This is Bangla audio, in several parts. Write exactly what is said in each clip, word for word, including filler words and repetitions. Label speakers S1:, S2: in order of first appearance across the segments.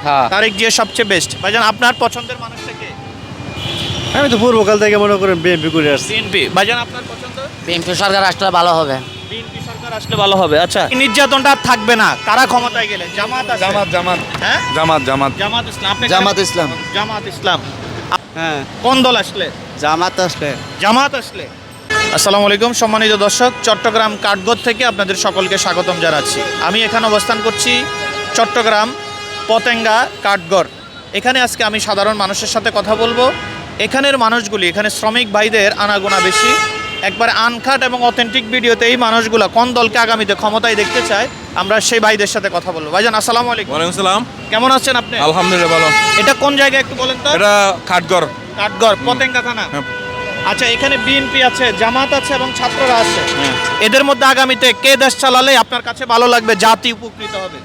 S1: হ্যাঁ।
S2: তারেক জিয়া সবচেয়ে বেস্ট। ভাইজান আপনার পছন্দের মানুষটা কে?
S3: আমি তো পূর্বকাল থেকে মনে করেন বিএনপি করে আসছি।
S2: বিএনপি। ভাইজান আপনার পছন্দ?
S1: বিএনপি সরকার আসলে ভালো হবে।
S2: বিএনপি সরকার আসলে ভালো হবে। আচ্ছা, নির্যাতনটা আর থাকবে না কারা ক্ষমতায় গেলে? জামাত আছে।
S4: জামাত জামাত
S2: হ্যাঁ,
S4: জামাত জামাত
S2: জামাত ইসলাম। আপনি
S3: জামাত ইসলাম।
S2: জামাত ইসলাম।
S3: হ্যাঁ,
S2: কোন দল আসলে?
S3: জামাত আসলে।
S2: জামাত আসলে। আসসালামু আলাইকুম সম্মানিত দর্শক, চট্টগ্রাম কাঠগড় থেকে আপনাদের সকলকে স্বাগতম জানাচ্ছি। আমি এখানে অবস্থান করছি চট্টগ্রাম পতেঙ্গা কাঠগড়। এখানে আজকে আমি সাধারণ মানুষের সাথে কথা বলবো। এখানের মানুষগুলি, এখানে শ্রমিক ভাইদের আনাগোনা বেশি, একবার আনকাট এবং অথেন্টিক ভিডিওতে এই মানুষগুলো কোন দলকে আগামীতে ক্ষমতায় দেখতে চায়, আমরা সেই ভাইদের সাথে কথা বলবো। ভাইজান আসসালামু আলাইকুম।
S4: ওয়ালাইকুম সালাম।
S2: কেমন আছেন আপনি?
S4: আলহামদুলিল্লাহ ভালো।
S2: এটা কোন জায়গায় একটু বলেন তো?
S4: এটা খাটগড়।
S2: কাঠগড় পতেঙ্গা থানা।
S4: হ্যাঁ।
S2: আচ্ছা, এখানে বিএনপি আছে, জামাত আছে এবং ছাত্ররা আছে।
S4: হ্যাঁ।
S2: এদের মধ্যে আগামীতে কে দেশ চালালে আপনার কাছে ভালো লাগবে, জাতি উপকৃত হবে?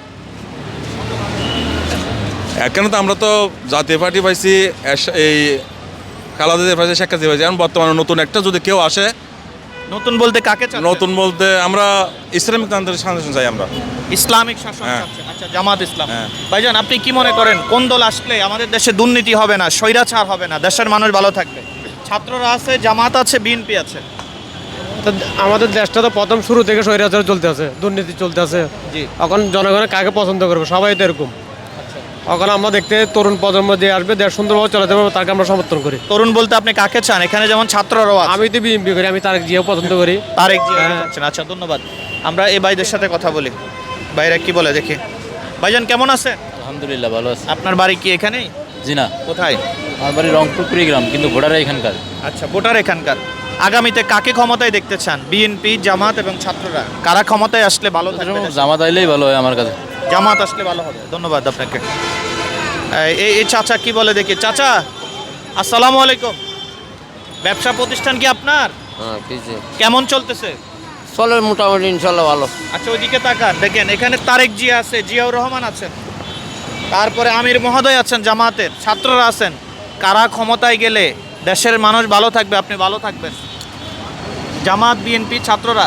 S4: এখানে তো আমরা তো জাতীয় পার্টি পাইছি, এস- এই খালাদের পাইছি, শেখ হাসিনা পাইছি। এখন বর্তমানে নতুন একটা যদি কেউ আসে,
S2: নতুন বলতে কাকে চাচ্ছেন?
S4: নতুন বলতে আমরা ইসলামিক তান্ত্রিক শাসন চাই আমরা।
S2: ইসলামিক শাসন
S4: হ্যাঁ।
S2: চাচ্ছেন। আচ্ছা, জামাত ইসলাম।
S4: হ্যাঁ।
S2: ভাইজান আপনি কি মনে করেন কোন দল আসলে আমাদের দেশে দুর্নীতি হবে না, স্বৈরাচার হবে না, দেশের মানুষ ভালো থাকবে? ছাত্ররা আছে, জামাত আছে, বিএনপি আছে।
S5: তো আমাদের দেশটা তো প্রথম শুরু থেকে স্বৈরাচার চলতে আছে, দুর্নীতি চলতে আছে।
S2: জি।
S5: এখন জনগণের কাকে পছন্দ করবে? সবাই তো এরকম। এখন আমরা দেখতে তরুণ প্রজন্ম যে আসবে, দেশ সুন্দরভাবে চালাতে পারবে, তাকে আমরা সমর্থন করি।
S2: তরুণ বলতে আপনি কাকে চান? এখানে যেমন ছাত্ররাও আছে।
S5: আমি তো বিএনপি করি, আমি তারেক জিয়াও পছন্দ করি।
S2: তারেক জিয়া
S5: হ্যাঁ।
S2: চাচ্ছেন। আচ্ছা, ধন্যবাদ। আমরা এই ভাইদের সাথে কথা বলি। ভাইরা কি বলে দেখি। ভাইজান কেমন আছেন?
S6: আলহামদুলিল্লাহ ভালো আছে।
S2: আপনার বাড়ি কি এখানেই?
S6: জি না,
S2: কোথায়?
S6: আমার বাড়ি রংপুর কুড়িগ্রাম, কিন্তু ভোটার এখানকার।
S2: আচ্ছা, ভোটার এখানকার। আগামীতে কাকে ক্ষমতায় দেখতে চান? বিএনপি, জামাত এবং ছাত্ররা কারা ক্ষমতায় আসলে ভালো থাকবে? দেশে?
S6: জামাত আইলেই ভালো হয় আমার কাছে।
S2: জামাত আসলে ভালো হবে। ধন্যবাদ আপনাকে। এই এই চাচা কি বলে দেখি। চাচা আসসালামু আলাইকুম। ব্যবসা প্রতিষ্ঠান কি আপনার?
S1: হ্যাঁ, কিছু
S2: কেমন চলতেছে?
S1: চলে মোটামুটি, ইনশাল্লাহ ভালো।
S2: আচ্ছা, ওইদিকে তাকান, দেখেন এখানে তারেক জিয়া আছে, জিয়াউর রহমান আছেন, তারপরে আমির মহোদয় আছেন জামাতের, ছাত্ররা আছেন। কারা ক্ষমতায় গেলে দেশের মানুষ ভালো থাকবে, আপনি ভালো থাকবেন? জামাত, বিএনপি, ছাত্ররা?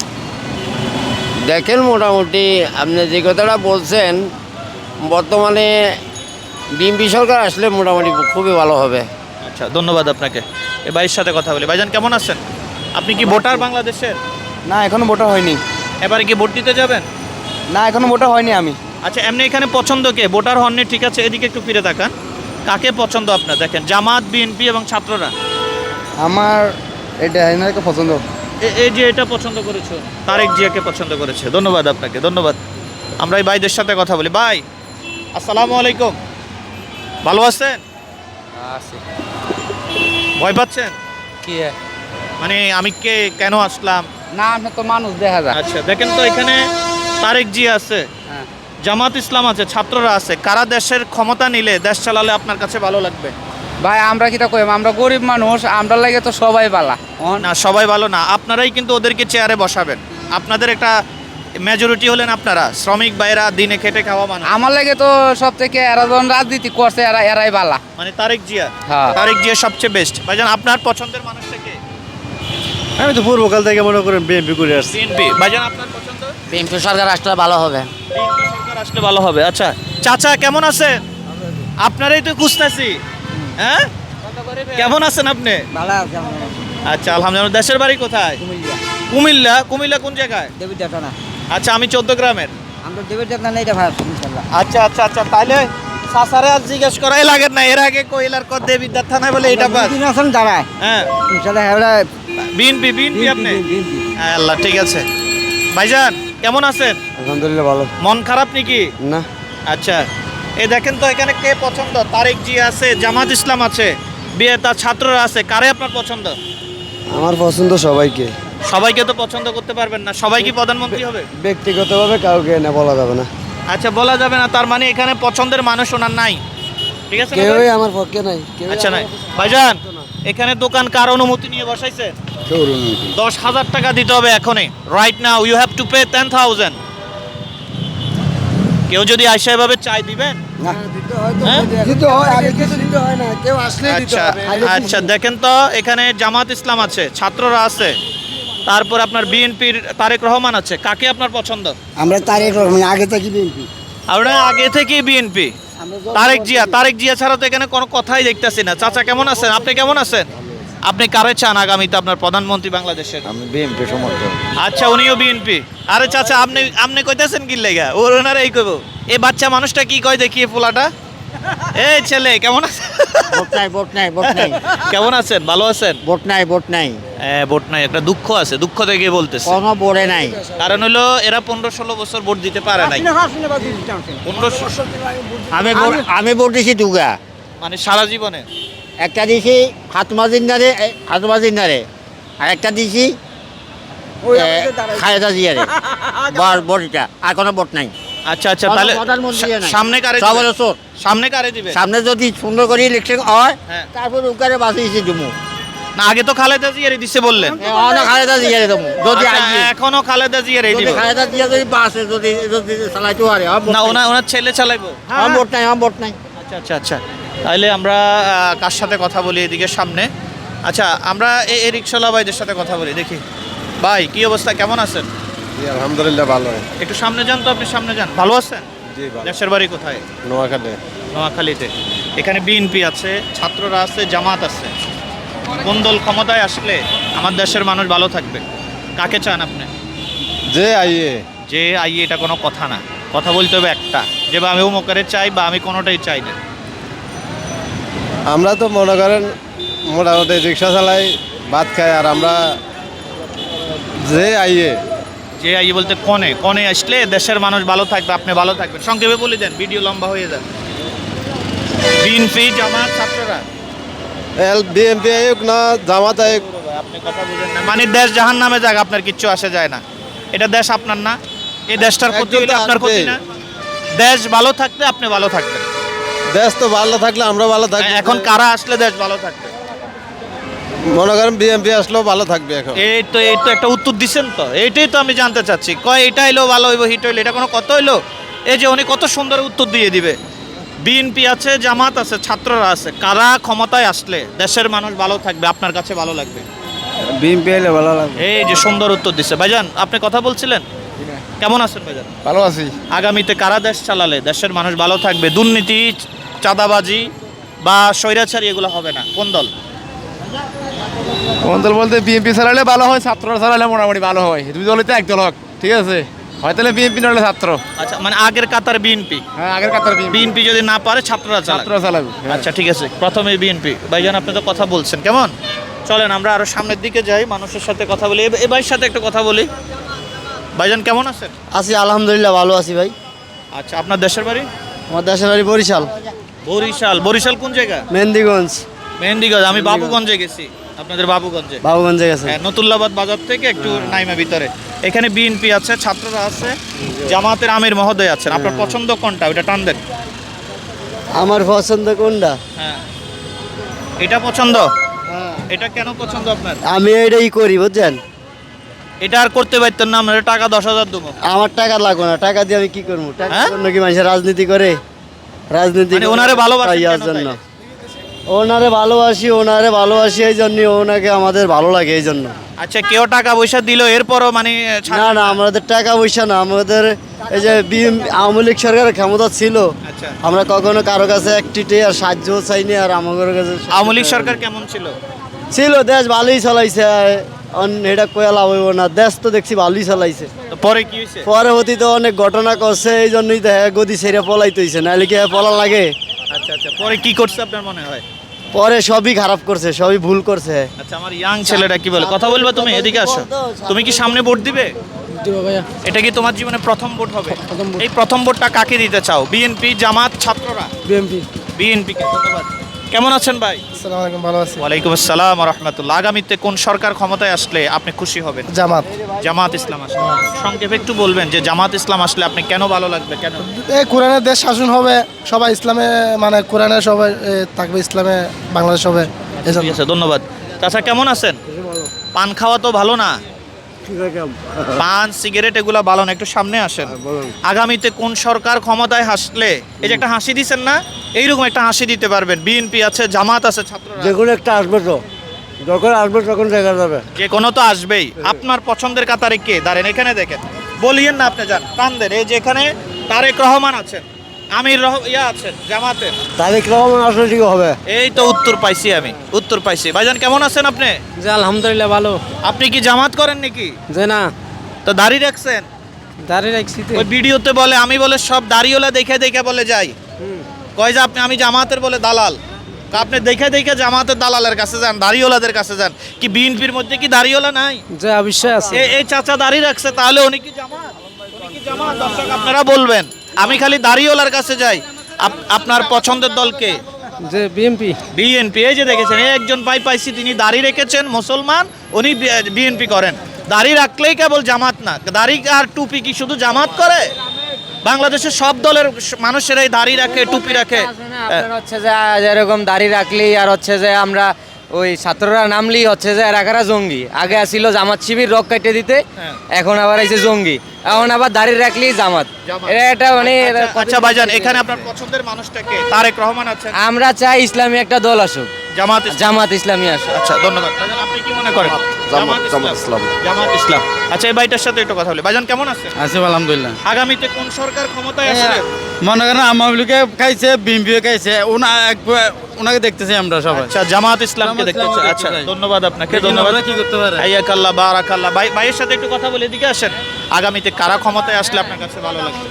S1: দেখেন মোটামুটি আপনি যে কথাটা বলছেন, বর্তমানে বিএনপি সরকার আসলে মোটামুটি খুবই ভালো হবে।
S2: আচ্ছা, ধন্যবাদ আপনাকে। এ ভাইয়ের সাথে কথা বলি। ভাইজান কেমন আছেন? আপনি কি ভোটার বাংলাদেশের?
S3: না, এখনো ভোটার হয়নি।
S2: এবারে কি ভোট দিতে যাবেন?
S3: না, এখনো ভোটার হয়নি আমি।
S2: আচ্ছা, এমনি এখানে পছন্দ কে? ভোটার হননি, ঠিক আছে, এদিকে একটু ফিরে তাকান। কাকে পছন্দ আপনার? দেখেন জামাত, বিএনপি এবং ছাত্ররা।
S3: আমার এটা এনাকে পছন্দ।
S2: এ- এই যে এটা পছন্দ করেছো, তারেক জিয়াকে পছন্দ করেছে। ধন্যবাদ আপনাকে, ধন্যবাদ। আমরা এই ভাইদের সাথে কথা বলি। ভাই আসসালামু আলাইকুম, ভালো আছেন? ভয় পাচ্ছেন?
S1: কি
S2: মানে আমি কে কেন আসলাম?
S1: না, আপনি তো মানুষ দেখা যায়।
S2: আচ্ছা, দেখেন তো এখানে তারেক জিয়া আছে,
S1: হ্যাঁ।
S2: জামাত ইসলাম আছে, ছাত্ররা আছে। কারা দেশের ক্ষমতা নিলে, দেশ চালালে আপনার কাছে ভালো লাগবে?
S7: ভাই আমরা কিটা কইম, আমরা গরিব মানুষ, আমরা লাগে তো সবাই বালা।
S2: না, সবাই ভালো না। আপনারাই কিন্তু ওদেরকে চেয়ারে বসাবেন। আপনাদের একটা মেজরিটি হলেন আপনারা, শ্রমিক ভাইরা, দিনে খেটে খাওয়া মানুষ।
S7: আমার লাগে তো সব থেকে এরা যখন রাজনীতি করছে, এরা এরাই বালা।
S2: মানে তারেক জিয়া।
S7: হ্যাঁ।
S2: তারেক জিয়া সবচেয়ে বেস্ট। ভাইজান আপনার পছন্দের মানুষটা কে?
S3: আমি তো পূর্বকাল থেকে মনে করেন বিএনপি করে আসছি।
S2: বিএনপি। ভাইজান আপনার পছন্দ?
S1: বিএনপি সরকার আসলে ভালো হবে।
S2: বিএনপি সরকার আসলে ভালো হবে। আচ্ছা, চাচা কেমন আছেন? আপনারাই তো খুঁজতেছি। হ্যাঁ, কেমন আছেন আপনি?
S7: ভালো আছে।
S2: আচ্ছা, আলহামদুলিল্লাহ। দেশের বাড়ি কোথায়? কুমিল্লা। কুমিল্লা কোন জায়গায়?
S7: দেবীর ডাটা না,
S2: আচ্ছা, আমি চোদ্দ গ্রামের।
S7: আমরা দেবীর ডাটা না, এটা ভাই ইনশাআল্লাহ।
S2: আচ্ছা আচ্ছা আচ্ছা, তাহলে সাসারে আজ জিজ্ঞেস করাই লাগে না, এর আগে কইলার কর দেবিদ্যার থানায় বলে এটা পাস।
S7: দিন আছেন দাঁড়ায়
S2: হ্যাঁ,
S7: ইনশাআল্লাহ হেবলা
S2: বিএনপি। বিএনপি আপনি? হ্যাঁ, আল্লাহ, ঠিক আছে। ভাইজান কেমন আছেন?
S3: আলহামদুলিল্লাহ ভালো।
S2: মন খারাপ নাকি?
S3: না,
S2: আচ্ছা, এই দেখেন তো এখানে কে পছন্দ? তারেক জি আছে, জামাত ইসলাম আছে, বিয়ে তার ছাত্ররা আছে। কারে আপনার পছন্দ?
S3: আমার পছন্দ সবাইকে।
S2: সবাইকে তো পছন্দ করতে পারবেন না। সবাই কি প্রধানমন্ত্রী হবে?
S3: ব্যক্তিগতভাবে কাউকে না বলা যাবে না।
S2: আচ্ছা, বলা যাবে না, তার মানে এখানে পছন্দের মানুষ ওনার নাই, ঠিক আছে না ভাই?
S3: কেউই আমার পক্ষে নাই। কেউই
S2: আচ্ছা,
S3: আমার
S2: নাই।
S3: পক্ষে
S2: ভাইজান এখানে দোকান কার অনুমতি নিয়ে বসাইছে?
S3: কেউ নেই।
S2: দশ হাজার টাকা দিতে হবে এখনই, right now you have to pay ten thousand. কেউ যদি আইসা এভাবে চাই দিবেন?
S3: না, দিতে হয় তো।
S2: হ্যাঁ?
S3: দিতে হয়, আগে কিছু দিতে হয় না। কেউ আসলে দিতে
S2: আচ্ছা
S3: হবে। আগে
S2: আচ্ছা, দেখেন তো এখানে জামাত ইসলাম আছে, ছাত্ররা আছে, তারপর আপনার বিএনপির তারেক রহমান আছে। কাকে আপনার পছন্দ?
S3: আমরা তারেক রহমান আগে থেকে বিএনপি।
S2: আপনার আগে থেকে বিএনপি। তারেক জিয়া তারেক জিয়া ছাড়া তো এখানে কোনো কথাই দেখতেছি না। চাচা কেমন আছেন? আপনি কেমন আছেন? আপনি কারে চান আগামীতে আপনার প্রধানমন্ত্রী বাংলাদেশের?
S3: আমি বিএনপি সমর্থক।
S2: আচ্ছা, উনিও বিএনপি। আরে চাচা, আপনি আপনি কইতাছেন কি লেগা? ওর ওনারা এই কইব। এই বাচ্চা মানুষটা কি কয় দেখিয়ে পোলাটা। এই ছেলে কেমন আছেন?
S1: ভোট নাই ভোট নাই ভোট নাই
S2: কেমন আছেন? ভালো আছেন?
S1: ভোট নাই ভোট নাই
S2: হ্যাঁ, ভোট নাই, একটা দুঃখ আছে, দুঃখ থেকে বলতেছে।
S1: কোনো বোর্ডে নাই।
S2: কারণ হলো এরা পনেরো ষোলো বছর ভোট দিতে পারে নাই। পনেরো
S1: আমি ভোট আমি ভোট দিছি দুগা,
S2: মানে সারা জীবনে।
S1: একটা দিছি ফাতেমা জিন্নারে ফাতেমা জিন্নারে, আর একটা দিছি এ, খালেদা জিয়ারে। বর বড়িটা আর কোনো ভোট নাই।
S2: আচ্ছা আচ্ছা,
S1: কোনো
S2: তাহলে
S1: প্রধানমন্ত্রী নাই।
S2: সামনে কারে
S1: সব
S2: দিবে?
S1: হলো চোর।
S2: সামনে কারে দিবে?
S1: সামনে যদি সুন্দর করে ইলেকশন হয়,
S2: হ্যাঁ।
S1: তারপর উকারে বাঁচিয়েছি জমু।
S2: না, আগে তো খালেদা জিয়ারে দিছে বললেন।
S1: অনেক খালেদা জিয়ারে দেবো যদি
S2: আচ্ছা,
S1: আসি।
S2: এখনো খালেদা জিয়ারে
S1: যদি
S2: দিব।
S1: খালেদা জিয়া যদি বাসে যদি যদি চালাইতে পারে, আমার ভোট
S2: না,
S1: নাই।
S2: ওনার ওনার ছেলে চালাইবো।
S1: আমার ভোট নাই আমার ভোট নাই।
S2: আচ্ছা আচ্ছা আচ্ছা, তাহলে আমরা আহ, কার সাথে কথা বলি এদিকে সামনে? আচ্ছা, আমরা এই এই রিক্সাওয়ালা ভাইদের সাথে কথা বলি, দেখি। ভাই, কি অবস্থা, কেমন আছেন?
S3: আলহামদুলিল্লাহ ভালো।
S2: একটু সামনে যান তো, আপনি সামনে যান। ভালো আছেন?
S3: জি ভালো।
S2: দেশের বাড়ি কোথায়?
S3: নোয়াখালী।
S2: নোয়াখালীতে। এখানে বিএনপি আছে, ছাত্ররা আছে, জামাত আছে। কোন দল ক্ষমতায় আসলে আমার দেশের মানুষ ভালো থাকবে? কাকে চান আপনি?
S3: যে আইয়ে
S2: যে আইয়ে এটা কোনো কথা না, কথা বলতে হবে একটা, যে বা আমি অমুকের চাই বা আমি কোনোটাই চাই না।
S3: আমরা তো মনে করেন মোটামুটি রিক্সা চালাই, ভাত খাই, আর আমরা যে আইয়ে
S2: যে আইয়ে বলতে কনে কনে আসলে দেশের মানুষ ভালো থাকবে, আপনি ভালো থাকবেন। সংক্ষেপে বলে দেন, ভিডিও লম্বা হয়ে যাবে। বিএনপি, জামাত, ছাত্ররা।
S3: এল বিএনপি আয়োগ না জামাত আয়োগ,
S2: আপনি কথা বুঝেন না, মানে দেশ জাহান নামে যাক, আপনার কিচ্ছু আসে যায় না। এটা দেশ আপনার না, এই দেশটার ক্ষতি হলে আপনার ক্ষতি না। দেশ ভালো থাকলে আপনি ভালো থাকবেন।
S3: দেশ তো ভালো থাকলে আমরা ভালো থাকবো।
S2: এখন কারা আসলে দেশ ভালো থাকবে?
S3: মনে করেন বিএনপি আসলেও ভালো থাকবে। এখন
S2: এই তো এই তো একটা উত্তর দিচ্ছেন তো, এইটাই তো আমি জানতে চাচ্ছি। কয় এটা হইলো ভালো হইব, হিট হইলো, এটা কোনো কত হইলো? এই যে উনি কত সুন্দর উত্তর দিয়ে দিবে। বিএনপি আছে, জামাত আছে, ছাত্ররা আছে, কারা ক্ষমতায় আসলে দেশের মানুষ ভালো থাকবে, আপনার কাছে ভালো লাগবে?
S3: বিএনপি এলে ভালো লাগবে।
S2: এই যে সুন্দর উত্তর দিচ্ছে। ভাইজান, আপনি কথা বলছিলেন, কেমন আছেন ভাইজান?
S3: ভালো আছি।
S2: আগামীতে কারা দেশ চালালে দেশের মানুষ ভালো থাকবে? দুর্নীতি, চাঁদাবাজি বা স্বৈরাচারী এগুলো হবে না। কোন দল?
S8: কোন দল বলতে বিএনপি চালালে ভালো হয়, ছাত্ররা চালালে মোটামুটি ভালো হয়। দুই দলই তো এক দল হোক, ঠিক আছে? হয় তাহলে বিএনপি নাহলে ছাত্র।
S2: আচ্ছা, মানে আগের কাতার বিএনপি।
S8: হ্যাঁ, আগের কাতার বিএনপি।
S2: বিএনপি যদি না পারে ছাত্ররা চালাবে।
S8: ছাত্ররা চালাবে।
S2: আচ্ছা, ঠিক আছে, প্রথমে বিএনপি। ভাইজান, আপনি তো কথা বলছেন, কেমন? চলেন আমরা আরো সামনের দিকে যাই, মানুষের সাথে কথা বলি। এ- এ ভাইয়ের সাথে একটু কথা বলি। ভাইজান, কেমন আছেন?
S1: আছি আলহামদুলিল্লাহ ভালো আছি ভাই।
S2: আচ্ছা, আপনার দেশের বাড়ি?
S1: আমার দেশের বাড়ি বরিশাল।
S2: বরিশাল। বরিশাল কোন জায়গা?
S1: মেহেন্দিগঞ্জ।
S2: মেহেন্দিগঞ্জ। আমি বাবুগঞ্জে গেছি, আপনাদের বাবুগঞ্জে।
S1: বাবুগঞ্জে গেছে।
S2: হ্যাঁ, নতুল্লাবাদ বাজার থেকে একটু নাইমা ভিতরে। এখানে বিএনপি আছে, ছাত্ররা আছে, জামাতের আমির মহোদয় আছেন। আপনার পছন্দ কোনটা? ওইটা টান দেন।
S1: আমার পছন্দ কোনটা?
S2: হ্যাঁ, এটা পছন্দ। এটা কেন পছন্দ আপনার?
S1: আমি এটাই করি বুঝছেন।
S2: এটা আর করতে পারতেন না? আমরা টাকা দশ হাজার দেবো।
S1: আমার টাকা লাগবে না, টাকা দিয়ে আমি কি করবো? টাকা
S2: হ্যাঁ?
S1: জন্য কি মানুষের রাজনীতি করে? রাজনীতি
S2: মানে
S1: করে
S2: ওনারে ভালোবাসেন
S1: পাইয়ার
S2: কেন
S1: জন্য।
S2: তাইলে?
S1: ওনারে ভালোবাসি, ওনারে ভালোবাসি এই জন্য, ওনাকে আমাদের ভালো লাগে এই জন্য।
S2: আচ্ছা, কেউ টাকা পয়সা দিল এরপরও মানে ছাড়-
S1: না না, আমাদের টাকা পয়সা না, আমাদের এই যে বিএম আওয়ামী লীগ সরকারের ক্ষমতা ছিল,
S2: আচ্ছা,
S1: আমরা কখনো কারো কাছে একটি আর সাহায্য চাইনি। আর আমাদের কাছে
S2: আওয়ামী লীগ সরকার কেমন ছিল?
S1: ছিল, দেশ ভালোই চালাইছে। অন- এটা কয়া লাভ হইব না, দেশ তো দেখছি ভালোই চালাইছে।
S2: তো পরে কি হয়েছে?
S1: পরবর্তীতে অনেক ঘটনা করছে, এই জন্যই তো হ্যাঁ গদি ছেড়ে পলাইতে হয়েছে, নাহলে কি হ্যাঁ পলা লাগে?
S2: আচ্ছা আচ্ছা, পরে কি করছে আপনার মনে হয়?
S1: পরে সবই খারাপ করছে, সবই ভুল করছে।
S2: আচ্ছা, আমার ইয়াং ছেলেটা কি বলে? কথা বলবা তুমি? এদিকে আসো। তুমি কি সামনে ভোট দিবে? এটা কি তোমার জীবনে প্রথম ভোট হবে? এই প্রথম ভোটটা কাকে দিতে চাও? বিএনপি, জামাত, ছাত্ররা?
S5: বিএনপি।
S2: বিএনপি কে। ধন্যবাদ। কেমন আছেন ভাই?
S5: আসসালামু আলাইকুম, ভালো আছি।
S2: ওয়ালাইকুম আসসালাম ওয়া রাহমাতুল্লাহ। আগামীতে কোন সরকার ক্ষমতায় আসলে আপনি খুশি হবেন?
S5: জামাত।
S2: জামাত ইসলাম আসলে। সংক্ষেপে একটু বলবেন যে জামাত ইসলাম আসলে আপনি কেন ভালো লাগবে, কেন?
S5: এই কোরআনের দেশ শাসন হবে, সবাই ইসলামে মানে কোরআনের সবাই এ, থাকবে, ইসলামে বাংলাদেশ হবে।
S2: ঠিক আছে, ধন্যবাদ। চাচা, কেমন আছেন? পান খাওয়া তো ভালো না, পান সিগারেট এগুলা ভালো না, একটু সামনে আসেন। আগামীতে কোন সরকার ক্ষমতায় আসলে, এই যে একটা হাসি দিচ্ছেন না, এইরকম একটা হাসি দিতে পারবেন। বিএনপি আছে, জামাত আছে, ছাত্ররা আছে।
S1: যে কোনো একটা আসবে তো, যখন আসবে তখন দেখা যাবে।
S2: যে কোনো তো আসবেই। আপনার পছন্দের কাতারে কে দাঁড়েন? এখানে দেখেন, বলিয়েন না, আপনি যান, টান দেন। এই যে এখানে তারেক রহমান আছেন, আমির রহ ইয়া আছেন জামাতে।
S3: তারিক রহমান আসলে ঠিক হবে।
S2: এই তো উত্তর পাইছি আমি, উত্তর পাইছি। ভাইজান কেমন আছেন আপনি?
S5: যে আলহামদুলিল্লাহ ভালো।
S2: আপনি কি জামাত করেন নাকি?
S5: যে না,
S2: তো দাড়ি রাখছেন?
S5: দাঁড়িয়ে রাখছি তো।
S2: ওই ভিডিওতে বলে, আমি বলে সব দাড়িওয়ালা দেখে দেখে বলে যাই, কয় যে আপনি আমি জামাতের বলে দালাল। তা আপনি দেখে দেখে জামাতের দালালের কাছে যান, দাড়িওয়ালাদের কাছে যান। কি বিএনপির মধ্যে কি দাড়িওয়ালা নাই?
S5: যে অবশ্যই আছে।
S2: এ- এই চাচা দাড়ি রাখছে, তাহলে উনি কি জামাত? উনি কি জামাত? দর্শক আপনারা বলবেন। আমি খালি দাড়িওয়ালার কাছে যাই। আপ- আপনার পছন্দের দলকে?
S5: যে বিএমপি।
S2: বিএনপি। এই যে দেখেছেন, এই একজন ভাই পাইছি, তিনি দাড়ি রেখেছেন, মুসলমান, উনি বিএনপি করেন। দাড়ি রাখলেই কেবল জামাত না, দাড়ি আর টুপি কি শুধু জামাত করে? বাংলাদেশের সব দলের মানুষেরাই দাড়ি রাখে, টুপি রাখে।
S7: আপনার হচ্ছে যে যেরকম দাড়ি রাখলেই আর হচ্ছে যে আমরা ওই ছাত্ররা নামলেই হচ্ছে যে এরাকারা জঙ্গি। আগে আসছিল জামাত শিবির রক কাটে দিতে,
S2: হ্যাঁ।
S7: এখন আবার এই যে জঙ্গি, এখন আবার দাড়ি রাখলেই জামাত।
S2: জামাত।
S7: এটা এটা মানে
S2: আচ্ছা, আচ্ছা ভাইজান, এখানে আপনার পছন্দের মানুষটাকে? তারেক রহমান আছেন।
S7: আমরা চাই ইসলামী একটা দল আসুক,
S2: জামাত ইসলাম।
S7: জামাত ইসলামী আসুক।
S2: আচ্ছা ধন্যবাদ ভাইজান। আপনি কি মনে করেন? জামাত ইসলাম। জামাত ইসলাম। আচ্ছা এই ভাইটার সাথে একটু কথা বলি। ভাইজান কেমন আছেন?
S5: আছে আলহামদুলিল্লাহ।
S2: আগামীতে কোন সরকার ক্ষমতায় আসলে?
S5: মনে করেন আমাকে খাইছে, বিএমপিও খাইছে, ওনা ওনাকে দেখতেছি আমরা সবাই।
S2: আচ্ছা জামাত ইসলামকে
S5: জামাত
S2: দেখতে
S5: ইসলামকে
S2: চাই।
S5: দেখতে
S2: আচ্ছা
S5: চাই।
S2: ধন্যবাদ আপনাকে,
S5: দেখি
S2: ধন্যবাদ।
S5: আমরা কি করতে পারে।
S2: হাইয়াকাল্লাহ বারাকাল্লাহ। ভাই ভাইয়ের সাথে একটু কথা বলে এদিকে আসেন। আগামীতে কারা ক্ষমতায় আসলে আপনার কাছে ভালো লাগবে?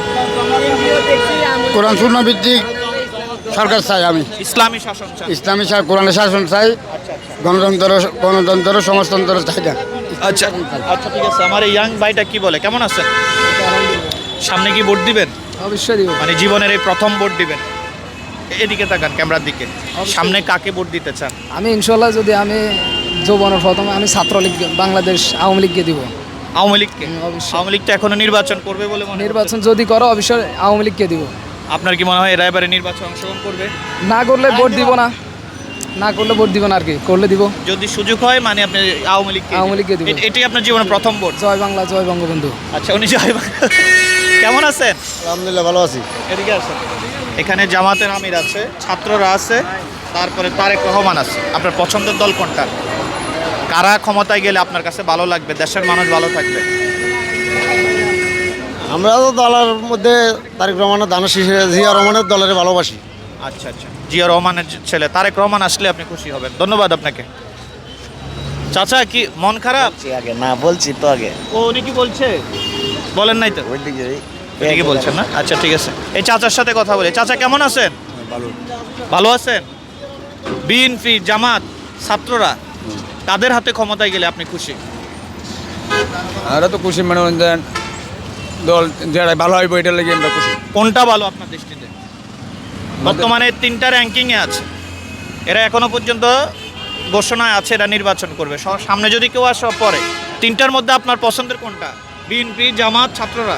S9: কোরআন শূন্য ভিত্তিক সরকার চাই আমি।
S2: ইসলামী শাসন চান?
S9: ইসলামী শা- কোরআনের শাসন চাই, গণতন্ত্র গণতন্ত্র সমাজতন্ত্র চাই না।
S2: আচ্ছা আচ্ছা ঠিক আছে। আমার এই ইয়াং ভাইটা কি বলে, কেমন আছেন? সামনে কি ভোট দিবেন?
S7: অবশ্যই দিব।
S2: মানে জীবনের এই প্রথম ভোট দিবেন? এদিকে তাকান, ক্যামেরার দিকে। সামনে কাকে ভোট দিতে চান?
S7: আমি ইনশাল্লাহ যদি আমি যৌবনের প্রথমে আমি ছাত্রলীগ, বাংলাদেশ আওয়ামী লীগকে দিব।
S2: আওয়ামী লীগকে?
S7: হুম, অবশ্যই।
S2: আওয়ামী লীগ তো এখনো নির্বাচন করবে বলে মনে
S7: নির্বাচন যদি করো অবশ্যই আওয়ামী লীগকে দিব।
S2: হচ্ছে। আপনার কি মনে হয় এরা এবারে নির্বাচন অংশগ্রহণ করবে?
S7: না করলে ভোট দিব না, না করলে ভোট দিব না, আর কি করলে দিব।
S2: যদি সুযোগ হয় মানে আপনি আওয়ামী লীগকে?
S7: আওয়ামী লীগকে দিবেন।
S2: এ- এটাই আপনার জীবনের প্রথম ভোট?
S7: জয় বাংলা, জয় বঙ্গবন্ধু।
S2: আচ্ছা উনি জয় বাংলা। কেমন আছেন?
S3: আলহামদুলিল্লাহ ভালো আছি।
S2: এদিকে আসেন। এখানে জামাতের আমির আছে, ছাত্ররা আছে, তারপরে তারেক রহমান আছে। আপনার পছন্দের দল কোনটা? কারা ক্ষমতায় গেলে আপনার কাছে ভালো লাগবে, দেশের মানুষ ভালো থাকবে?
S3: আমরা তো দলের মধ্যে তারিক রহমানের দানা শীষে জিয়া রহমানের দলের ভালোবাসি।
S2: আচ্ছা আচ্ছা, জিয়া রহমানের ছেলে তারেক রহমান আসলে আপনি খুশি হবেন। ধন্যবাদ আপনাকে। চাচা কি মন খারাপ?
S1: আগে না বলছি তো আগে
S2: ও উনি কি বলছে? বলেন নাই তো?
S1: ওই দিকে
S2: এদিকে বলছেন না? আচ্ছা ঠিক আছে। এই চাচার সাথে কথা বলি। চাচা কেমন আছেন? ভালো আছেন? বিএনপি, জামাত, ছাত্ররা তাদের হাতে ক্ষমতায় গেলে আপনি খুশি?
S5: আমরা তো খুশি, মানে দল যারা ভালো হইব এটার লাগে আমরা খুশি।
S2: কোনটা ভালো আপনার দৃষ্টিতে? বর্তমানে তিনটা র্যাঙ্কিংয়ে আছে, এরা এখনো পর্যন্ত ঘোষণায় আছে এরা নির্বাচন করবে। স- সামনে যদি কেউ আসে পরে, তিনটার মধ্যে আপনার পছন্দের কোনটা? বিএনপি, জামাত, ছাত্ররা?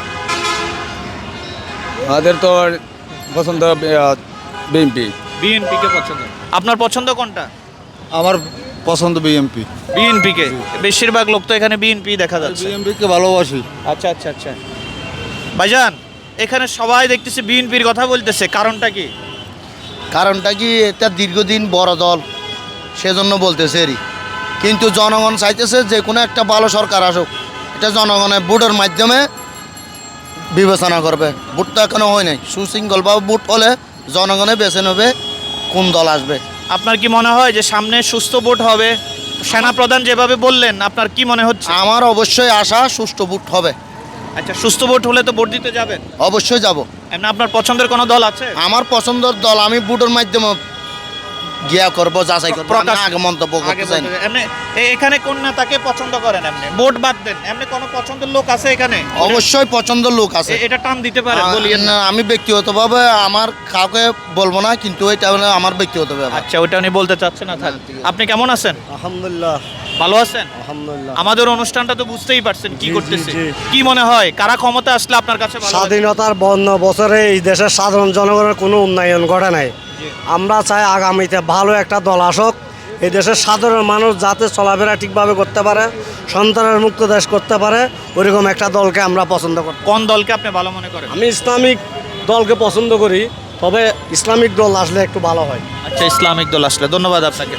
S5: আমাদের তো পছন্দ বিএমপি।
S2: বিএনপি কে পছন্দ। আপনার পছন্দ কোনটা?
S3: আমার পছন্দ বিএমপি।
S2: বিএনপি কে? বেশিরভাগ লোক তো এখানে বিএনপি দেখা যাচ্ছে।
S3: বিএমপিকে ভালোবাসি।
S2: আচ্ছা আচ্ছা আচ্ছা। ভাইজান এখানে সবাই দেখতেছে বিএনপির কথা বলতেছে, কারণটা কি?
S3: কারণটা কি, এটা দীর্ঘদিন বড় দল, সেজন্য বলতেছে এরই। কিন্তু জনগণ চাইতেছে যে কোনো একটা ভালো সরকার আসুক, এটা জনগণের ভোটের মাধ্যমে বিবেচনা করবে। ভোট তো এখনো হয় নাই, সুশৃঙ্খলভাবে ভোট হলে জনগণে বেছে নেবে কোন দল আসবে।
S2: আপনার কি মনে হয় যে সামনে সুস্থ ভোট হবে? সেনাপ্রধান যেভাবে বললেন, আপনার কি মনে হচ্ছে?
S3: আমার অবশ্যই আশা সুষ্ঠু ভোট হবে।
S2: আচ্ছা সুস্থ ভোট হলে তো ভোট দিতে যাবেন?
S3: অবশ্যই যাব।
S2: এমনি আপনার পছন্দের কোনো দল আছে?
S3: আমার পছন্দের দল আমি ভোটের মাধ্যমে গিয়া করবো, যাচাই করবো।
S2: প্রকাশ-
S3: আমি আগে মন্তব্য
S2: আগে
S3: করতে চাই না।
S2: বলতে- এমনি এ- এখানে কোন নেতাকে পছন্দ করেন? এমনি ভোট বাদ দেন, এমনি কোনো পছন্দের লোক আছে এখানে?
S3: অবশ্যই পছন্দের লোক আছে।
S2: এ- এটা টান দিতে পারেন, বলিয়েন না।
S3: না, আমি ব্যক্তিগতভাবে আমার কাউকে বলবো না, কিন্তু এটা হলো আমার ব্যক্তিগত ব্যাপার।
S2: আচ্ছা ওটা উনি বলতে চাচ্ছেন না, থাক। আপনি কেমন আছেন?
S3: আলহামদুলিল্লাহ।
S2: ভালো আছেন?
S3: আলহামদুলিল্লাহ।
S2: আমাদের অনুষ্ঠানটা তো বুঝতেই পারছেন কি
S3: জি, জি,
S2: করতেছে।
S3: জি।
S2: কি মনে হয় কারা ক্ষমতা আসলে আপনার কাছে ভালো লাগবে?
S3: স্বাধীনতার বন্ন বছরে এই দেশের সাধারণ জনগণের কোনো উন্নয়ন ঘটে নাই। আমরা চাই আগামীতে ভালো একটা দল আসুক, এই দেশের সাধারণ মানুষ যাতে চলাফেরা ঠিকভাবে করতে পারে, সন্তানের মুক্ত দেশ করতে পারে, ওইরকম একটা দলকে আমরা পছন্দ করি।
S2: কোন দলকে আপনি ভালো মনে করেন?
S3: আমি ইসলামিক দলকে পছন্দ করি, তবে ইসলামিক দল আসলে একটু ভালো হয়।
S2: আচ্ছা ইসলামিক দল আসলে। ধন্যবাদ আপনাকে।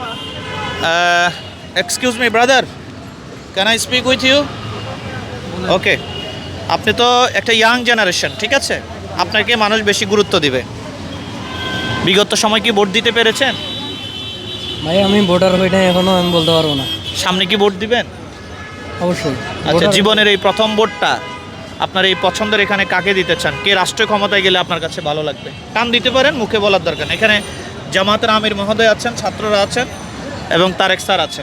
S2: Excuse me brother, can I speak with you? Okay, আপনি তো একটা ইয়াং জেনারেশন, ঠিক আছে? আপনাকে মানুষ বেশি গুরুত্ব দিবে? বিগত সময় কি ভোট দিতে পেরেছেন?
S5: ভাই আমি ভোটার হই নাই এখনো, আমি বলতে পারবো না।
S2: সামনে কি ভোট দিবেন?
S5: অবশ্যই।
S2: আচ্ছা, জীবনের এই প্রথম ভোটটা আপনার এই পছন্দের এখানে কাকে দিতে চান? কে রাষ্ট্রীয় ক্ষমতায় গেলে আপনার কাছে ভালো লাগবে? টান দিতে পারেন, মুখে বলার দরকার নেই। এখানে জামাতের আমির মহোদয় আছেন, ছাত্ররা আছেন এবং তারেক স্যার আছেন।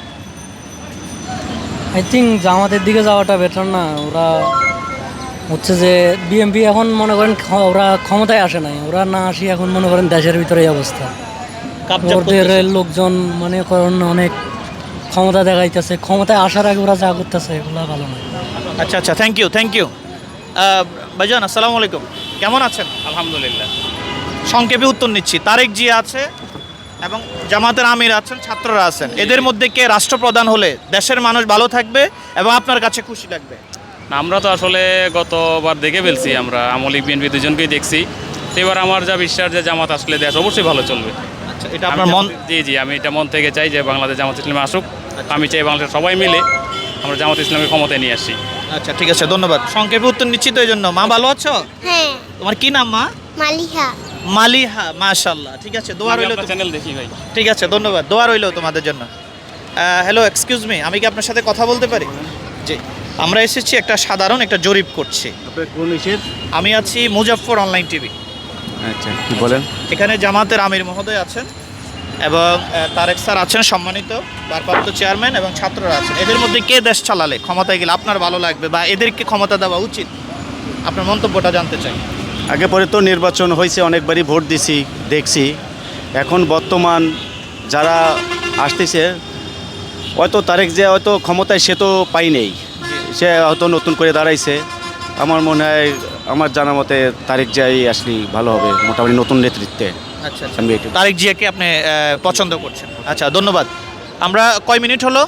S5: আই থিঙ্ক জামাতের দিকে যাওয়াটা বেটার না? ওরা হচ্ছে যে বিএমপি এখন মনে করেন ক্ষ- ওরা ক্ষমতায় আসে নাই, ওরা না আসি এখন মনে করেন দেশের ভিতরে এই অবস্থা।
S2: কাপচাপ
S5: ওদের
S2: করতেছে।
S5: লোকজন মনে করেন অনেক ক্ষমতা দেখাইতেছে, ক্ষমতায় আসার আগে ওরা যা করতেছে এগুলো ভালো নয়।
S2: আচ্ছা আচ্ছা, থ্যাংক ইউ থ্যাংক ইউ ভাইজান, আসসালামু আলাইকুম, কেমন আছেন?
S6: আলহামদুলিল্লাহ।
S2: সংক্ষেপে উত্তর নিচ্ছি। তারেক জিয়া আছে এবং জামাতের আমির আছেন, ছাত্ররা আছেন। এদের মধ্যে কে রাষ্ট্রপ্রধান হলে দেশের মানুষ ভালো থাকবে এবং আপনার কাছে খুশি লাগবে?
S6: আমরা তো আসলে গতবার দেখে ফেলছি, আমরা আমলিক বিএনপি দুজনকেই দেখছি। তো এবার আমার যা বিশ্বাস যে জামাত আসলে দেশ অবশ্যই ভালো চলবে।
S2: আচ্ছা, এটা
S6: আমি
S2: আপনার মন?
S6: জামাত- জি জি, আমি এটা মন থেকে চাই যে বাংলাদেশ জামাত ইসলামে আসুক। আমি চাই বাংলাদেশের সবাই মিলে আমরা জামাত ইসলামের ক্ষমতায় নিয়ে আসি।
S2: আচ্ছা ঠিক আছে, ধন্যবাদ। সংক্ষেপে উত্তর নিচ্ছি তো এই জন্য। মা ভালো আছো?
S10: হ্যাঁ,
S2: তোমার কি নাম মা?
S10: মালিহা।
S2: মালিহা, মাশাআল্লাহ। ঠিক আছে, দোয়া
S6: আমি
S2: রইল।
S6: আপনার চ্যানেল দেখি ভাই।
S2: ঠিক আছে, ধন্যবাদ, দোয়া রইল তোমাদের জন্য। হ্যালো, এক্সকিউজ মি, আমি কি আপনার সাথে কথা বলতে পারি? জি, আমরা এসেছি একটা সাধারণ একটা জরিপ করছি। আমি আছি মুজাফফর অনলাইন টিভি।
S9: আচ্ছা, কি বলেন?
S2: এখানে জামাতের আমির মহোদয় আছেন এবং আহ, তারেক স্যার আছেন সম্মানিত ভারপ্রাপ্ত চেয়ারম্যান, এবং ছাত্ররা আছেন। এদের মধ্যে কে দেশ চালালে ক্ষমতায় গেলে আপনার ভালো লাগবে বা এদেরকে ক্ষমতা দেওয়া উচিত? আপনার মন্তব্যটা জানতে চাই।
S11: আগে পরে তো নির্বাচন হয়েছে, অনেকবারই ভোট দিছি, দেখছি। এখন বর্তমান যারা আসতেছে, হয়তো তারেক যে হয়তো ক্ষমতায় সে তো পাই নেই, সে হয়তো নতুন করে দাঁড়াইছে। আমার মনে হয়, আমার জানা মতে তারেক জিয়াই আসলে ভালো হবে, মোটামুটি নতুন নেতৃত্বে।
S2: আচ্ছা আচ্ছা,
S11: আমি এটা
S2: তারেক জিয়াকে আপনি আহ, পছন্দ করছেন? আচ্ছা, ধন্যবাদ। আমরা কয় মিনিট হলো?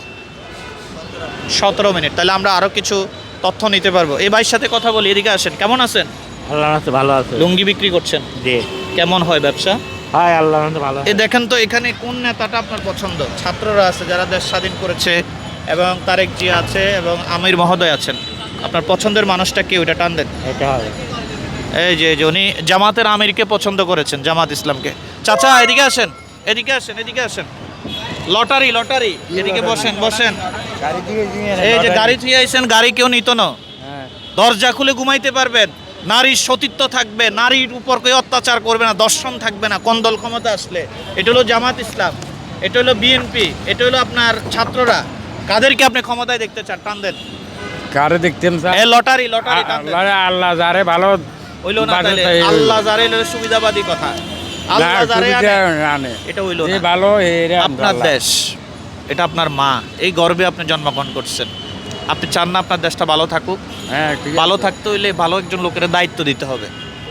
S2: সতেরো মিনিট। তাহলে আমরা আরও কিছু তথ্য নিতে পারবো। এই ভাইয়ের সাথে কথা বলি, এদিকে আসেন। কেমন আছেন?
S5: আল্লাহ আছে, ভালো আছে।
S2: লুঙ্গি বিক্রি করছেন?
S5: জি।
S2: কেমন হয় ব্যবসা?
S5: হাই, আল্লাহ ভালো।
S2: এই দেখেন তো, এখানে কোন নেতাটা আপনার পছন্দ? ছাত্ররা আছে যারা দেশ স্বাধীন করেছে, এবং তারেক জিয়া আছে এবং আমির মহোদয় আছেন। আপনার পছন্দের মানুষটা কে, ওইটা টান দেন।
S5: এটা হবে।
S2: এই যে যে উনি জামাতের আমিরকে পছন্দ করেছেন, জামাত ইসলামকে। চাচা এদিকে আসেন, এদিকে আসেন, এদিকে আসেন। লটারি লটারি, এদিকে বসেন বসেন। এই যে গাড়ি থুয়ে আইছেন, গাড়ি কেউ নিত না। দরজা খুলে ঘুমাইতে পারবেন, নারীর সতীত্ব থাকবে, নারীর উপর কেউ অত্যাচার করবে না, দর্শন থাকবে না কোন দল ক্ষমতা আসলে। এটা হলো জামাত ইসলাম, এটা হলো বিএনপি, এটা হলো আপনার ছাত্ররা। কাদেরকে আপনি ক্ষমতায় দেখতে চান? টান দেন।
S5: কারে দেখতেন
S2: এ লটারি লটারি টান দেন।
S5: আল্লাহ যারে ভালো
S2: হইলো না তাহলে? আল্লাহ যারে হলো সুবিধাবাদী কথা। আল্লাহ যারে আনে, এটা হইলো না।
S5: ভালো
S2: আপনার দেশ, এটা আপনার মা, এই গর্বে আপনি জন্মগ্রহণ করছেন। আপনি চান না আপনার দেশটা ভালো থাকুক?
S5: হ্যাঁ,
S2: ভালো থাকতে হইলে ভালো একজন লোকের দায়িত্ব দিতে হবে।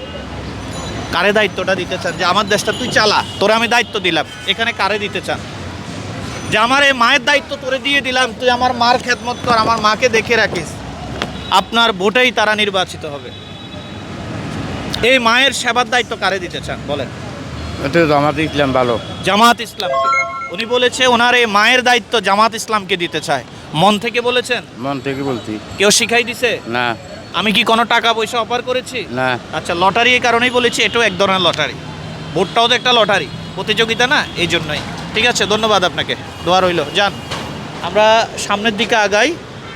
S2: কারে দায়িত্বটা দিতে চান? যে আমার দেশটা তুই চালা, তোরে আমি দায়িত্ব দিলাম, এখানে কারে দিতে চান? যে আমার এই মায়ের দায়িত্ব তোরে দিয়ে দিলাম, তুই আমার মার খেদমত কর, আমার মাকে দেখে রাখিস। আপনার ভোটেই তারা নির্বাচিত হবে। এই মায়ের সেবার দায়িত্ব কারে দিতে চান বলেন?
S5: এটা জামাত ইসলাম ভালো।
S2: জামাত ইসলামকে। উনি বলেছে ওনার এই মায়ের দায়িত্ব জামাত ইসলামকে দিতে চায়। মন থেকে বলেছেন?
S5: মন থেকে বলছি।
S2: কেউ শিখাই দিছে?
S5: না
S2: আমি কি কোনো টাকা পয়সা অফার করেছি?
S5: না।
S2: আচ্ছা, লটারি এই কারণেই বলেছি, এটাও এক ধরনের লটারি। ভোটটাও তো একটা লটারি, প্রতিযোগিতা না, এই জন্যই। ঠিক আছে, ধন্যবাদ আপনাকে, দোয়া রইল। যান, আমরা সামনের দিকে আগাই।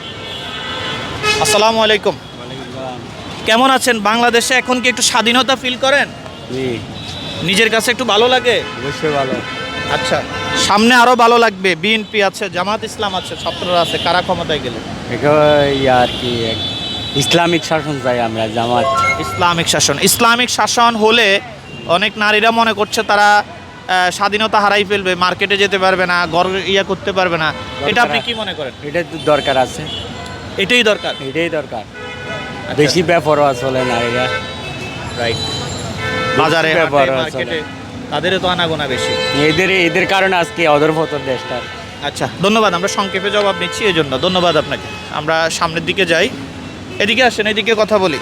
S2: আসসালামু আলাইকুম, কেমন আছেন? বাংলাদেশে এখন কি একটু স্বাধীনতা ফিল করেন?
S5: জি,
S2: নিজের কাছে একটু ভালো লাগে?
S5: অবশ্যই ভালো।
S2: আচ্ছা, সামনে আরো ভালো লাগবে। বিএনপি আছে, জামাত ইসলাম আছে, ছাত্ররা আছে, কারা ক্ষমতায় গেলে?
S5: আর কি ইসলামিক শাসন চাই আমরা, জামাত।
S2: ইসলামিক শাসন। ইসলামিক শাসন হলে অনেক নারীরা মনে করছে তারা আহ, স্বাধীনতা হারাই ফেলবে, মার্কেটে যেতে পারবে না, ঘর ইয়া করতে পারবে না। এটা আপনি কি মনে করেন?
S5: এটা তো দরকার আছে,
S2: এটাই দরকার।
S5: এটাই দরকার। বেশি ব্যাপারও চলে নারীরা,
S2: রাইট। বাজারে
S5: বেশি
S2: হাটে,
S5: ব্যবহার
S2: মার্কেটে তাদেরও তো আনাগোনা বেশি।
S5: এদের এদের কারণে আজকে অধরপতন দেশটার।
S2: আচ্ছা, ধন্যবাদ। আমরা সংক্ষেপে জবাব নিচ্ছি, এই জন্য ধন্যবাদ আপনাকে। আমরা সামনের দিকে যাই, এদিকে আসেন, এদিকে কথা বলি।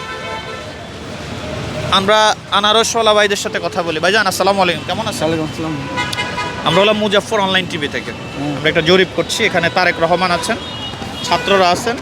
S2: আমরা আনারসওয়ালা ভাইদের সাথে কথা বলি। ভাইজান আসসালামু আলাইকুম, কেমন আছেন? আমরা হলাম মুজাফফর অনলাইন টিভি থেকে। আমরা একটা জরিপ করছি। এখানে তারেক রহমান আছেন, ছাত্ররা আছেন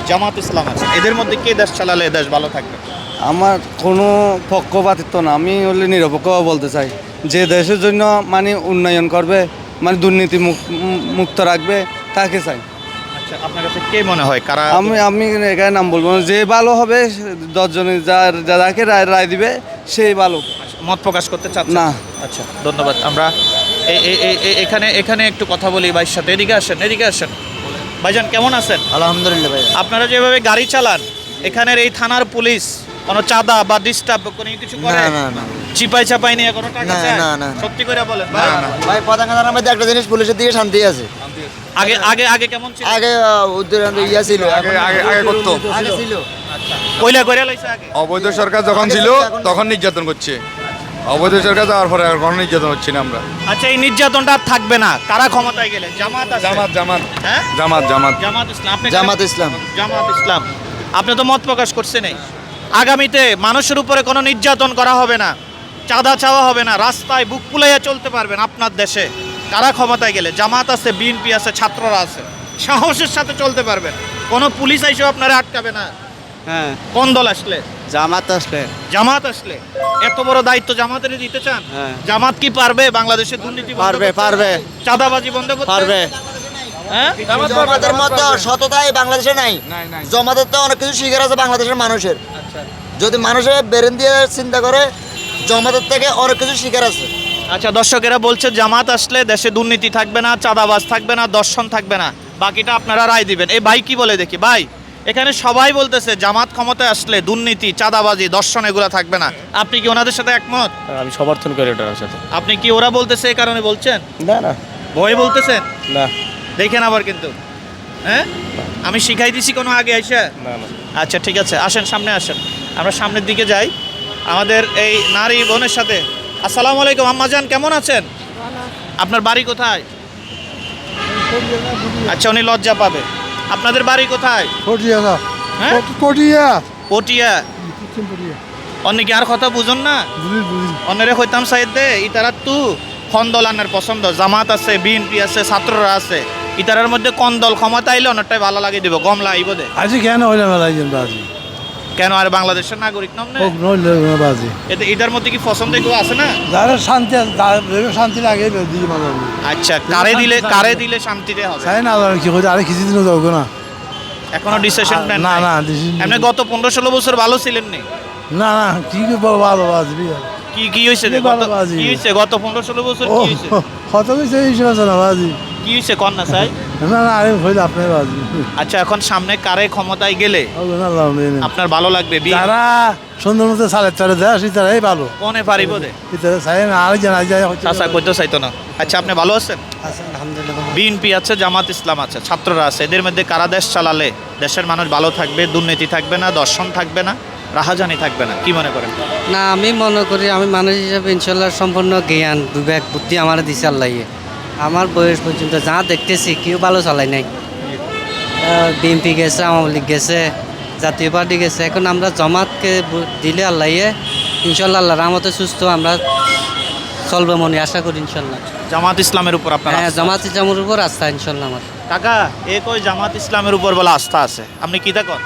S2: জামাত ইসলাম আছে, এদের মধ্যে কে দেশ চালালে দেশ ভালো থাকবে?
S10: আমার কোনো পক্ষপাতিত্ব না, আমি হলে নিরপেক্ষ বলতে চাই। যে দেশের জন্য মানে উন্নয়ন করবে, মানে দুর্নীতি মুক্ত রাখবে, তাকে চাই।
S2: আচ্ছা, আপনার কাছে কে মনে হয় কারা?
S10: আমি আমি এখানে নাম বলবো না, যে ভালো হবে দশজনে যার যাকে রায় রায় দিবে সেই ভালো।
S2: মত প্রকাশ করতে চাচ্ছেন
S10: না?
S2: আচ্ছা, ধন্যবাদ। আমরা এই এই- এই- এই- এখানে এখানে একটু কথা বলি ভাইয়ের সাথে। এদিকে আসেন, এদিকে আসেন। ভাইজান কেমন আছেন?
S3: আলহামদুলিল্লাহ ভাই।
S2: আপনারা যেভাবে গাড়ি চালান, এখানের এই থানার পুলিশ কোনো চাঁদা বা ডিস্টার্ব কোনো কিছু করে?
S3: না, না, না।
S2: চিপাই চাপাই নিয়ে কোনো টাকা
S3: না,
S2: চায়?
S3: না, না।
S2: সত্যি করে বলেন ভাই।
S3: ভাই পতাকা থানার মধ্যে একটা জিনিস, পুলিশের দিকে শান্তি আছে।
S2: আগে আগে আগে কেমন ছিল?
S3: আগে উদ্যোগ ইয়া ছিল,
S9: আগে আগে আগে করতো
S3: আগে ছিল।
S2: কইলা কইরা লাইছে আগে।
S9: অবৈধ সরকার যখন ছিল তখন নির্যাতন করছে, অবৈধ সরকার যাওয়ার পরে আর কোনো নির্যাতন হচ্ছে না আমরা।
S2: আচ্ছা, এই নির্যাতনটা আর থাকবে না কারা ক্ষমতায় গেলে? জামাত আছে।
S9: জামাত জামাত
S2: হ্যাঁ,
S9: জামাত জামাত
S2: জামাত ইসলাম। আপনি
S3: জামাত ইসলাম।
S2: জামাত ইসলাম। আপনি তো মত প্রকাশ করছেন। এই আগামীতে মানুষের উপরে কোনো নির্যাতন করা হবে না, চাঁদা চাওয়া হবে না, রাস্তায় বুক ফুলাইয়া চলতে পারবেন আপনার দেশে। কারা ক্ষমতায় গেলে? জামাত আছে, বিএনপি আছে, ছাত্ররা আছে, সাহসের সাথে চলতে পারবেন। কোনো পুলিশ আইসেও আপনারা আটকাবে না।
S10: হ্যাঁ,
S2: কোন দল আসলে?
S10: জামাত আসলে।
S2: জামাত আসলে। এত বড় দায়িত্ব জামাতের দিতে চান?
S10: হ্যাঁ।
S2: জামাত কি পারবে বাংলাদেশে দুর্নীতি বন্ধ
S3: পারবে,
S2: করতে?
S3: পারবে।
S2: চাঁদাবাজি বন্ধ করতে
S3: পারবে।
S2: হ্যাঁ,
S3: জমাতের মতো সততাই বাংলাদেশে নাই। জমাতের তো অনেক কিছু শিকার আছে বাংলাদেশের মানুষের। যদি মানুষের বেরেন দিয়ে চিন্তা করে, জমাতের থেকে অনেক কিছু শিকার আছে।
S2: আচ্ছা, দর্শকেরা বলছে জামাত আসলে দেশে দুর্নীতি থাকবে না, চাঁদাবাজ থাকবে না, দর্শন থাকবে না, বাকিটা আপনারা রায় দিবেন। এই ভাই কি বলে দেখি? ভাই, এখানে সবাই বলতেছে জামাত ক্ষমতায় আসলে দুর্নীতি, চাঁদাবাজি, দর্শন এগুলো থাকবে না। আপনি কি ওনাদের সাথে একমত?
S6: আমি সমর্থন করি ওটার সাথে।
S2: আপনি কি ওরা বলতেছে এই কারণে বলছেন?
S6: না না
S2: ভয় বলতেছেন?
S6: না
S2: দেখেন আবার কিন্তু, হ্যাঁ, আমি শিখাই দিছি কোনো আগে আইসা?
S6: না না
S2: আচ্ছা, ঠিক আছে, আসেন সামনে আসেন, আমরা সামনের দিকে যাই আমাদের এই নারী বোনের সাথে। আসসালামু আলাইকুম আম্মাজান, কেমন আছেন? আপনার বাড়ি কোথায়? আচ্ছা, উনি লজ্জা পাবে। আপনাদের বাড়ি কোথায়? হ্যাঁ, পটিয়া। অনেকে আর কথা বুঝুন না, অন্যরে হইতাম সাইড দে ইতারা তু কোন দল আনার পছন্দ? জামাত আছে, বিএনপি আছে, ছাত্ররা আছে, ইতারার মধ্যে কোন দল ক্ষমতা আইলে অনেকটাই ভালো লাগে দিব, গমলা আইব দে।
S10: আজি কেন হইলে মেলাইছেন বাজি?
S2: কেন? আর বাংলাদেশের নাগরিক নাম না?
S10: নইলে বাজি।
S2: এতে এটার মধ্যে কি পছন্দ কেউ আছে না?
S10: যারা শান্তি শান্তি লাগে দিকে মানুষ।
S2: আচ্ছা, কারে দিলে কারে দিলে শান্তিতে হবে?
S10: চাই না কি কইতে, আরে কিছুদিনও যাবো না।
S2: এখনো ডিসিশন প্ল্যান
S10: না
S2: নাই?
S10: না decision
S2: এমনি গত পনেরো ষোলো বছর ভালো ছিলেন নি?
S10: না না কি বল ভালো বাজবি।
S2: কি কি হয়েছে?
S10: কি ভালো বাজি?
S2: কি হয়েছে গত পনেরো ষোলো বছর?
S10: ও
S2: কি হয়েছে?
S10: কত কিছু হিসেবে আছে না বাজি।
S2: কি হয়েছে কন না চাই?
S10: না না আরে হইলে আপনার বাজি।
S2: আচ্ছা, এখন সামনে কারে ক্ষমতায় গেলে আপনার ভালো লাগবে? বি-
S10: যারা সুন্দর মতো সালের চারে দেয় তারাই ভালো।
S2: কোনে পারিব দে?
S10: এটা চাই না, আর জানা যায়
S2: চাচা কইতে চাইতো না। আচ্ছা, আপনি ভালো আছেন?
S10: আলহামদুলিল্লাহ।
S2: বিএনপি আছে, জামাত ইসলাম আছে, ছাত্ররা আছে, এদের মধ্যে কারা দেশ চালালে দেশের মানুষ ভালো থাকবে, দুর্নীতি থাকবে না, দর্শন থাকবে না, রাহাজানি থাকবে না? কি মনে করেন?
S5: না, আমি মনে করি আমি মানুষ হিসাবে ইনশাল্লাহ সম্পূর্ণ জ্ঞান বিবেক বুদ্ধি আমার দিছে আল্লাহে। আমার বয়স পর্যন্ত যা দেখতেছি কেউ ভালো চালাই নাই। বিএনপি গেছে, আওয়ামী লীগ গেছে, জাতীয় পার্টি গেছে, এখন আমরা জমাতকে ভোট দিলে আল্লাহে ইনশাল্লাহ আল্লাহ রহমতে সুস্থ আমরা চলবে মনে আশা করি ইনশাল্লাহ।
S2: জামাত ইসলামের উপর আপনার
S5: হ্যাঁ,
S2: আস্থা
S5: জামাত
S2: আছে?
S5: ইসলামের উপর আস্থা ইনশাল্লাহ আমার।
S2: কাকা, এ কই জামাত ইসলামের উপর বলে আস্থা আছে, আপনি কি দেখেন?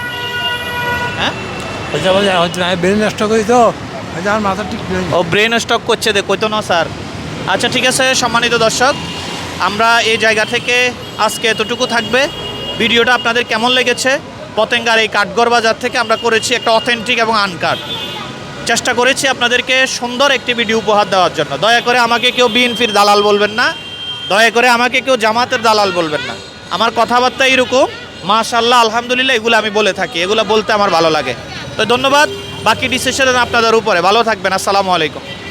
S2: হ্যাঁ,
S10: ব্রেন নষ্ট করি তো আমার মাথা ঠিক নেই।
S2: ও ব্রেন স্টক করছে দে কইতো না স্যার। আচ্ছা, ঠিক আছে সম্মানিত দর্শক, আমরা এই জায়গা থেকে আজকে এতটুকু থাকবে। ভিডিওটা আপনাদের কেমন লেগেছে? পতেঙ্গার এই কাঠগড় বাজার থেকে আমরা করেছি একটা অথেন্টিক এবং আনকাট, চেষ্টা করেছি আপনাদেরকে সুন্দর একটি ভিডিও উপহার দেওয়ার জন্য। দয়া করে আমাকে কেউ বিএনপির দালাল বলবেন না, দয়া করে আমাকে কেউ জামাতের দালাল বলবেন না। আমার কথাবার্তা এরকম, মাশাআল্লাহ, আলহামদুলিল্লাহ, এগুলো আমি বলে থাকি, এগুলো বলতে আমার ভালো লাগে। তো ধন্যবাদ, বাকি ডিসিশন আপনাদের উপরে। ভালো থাকবেন, আসসালামু আলাইকুম।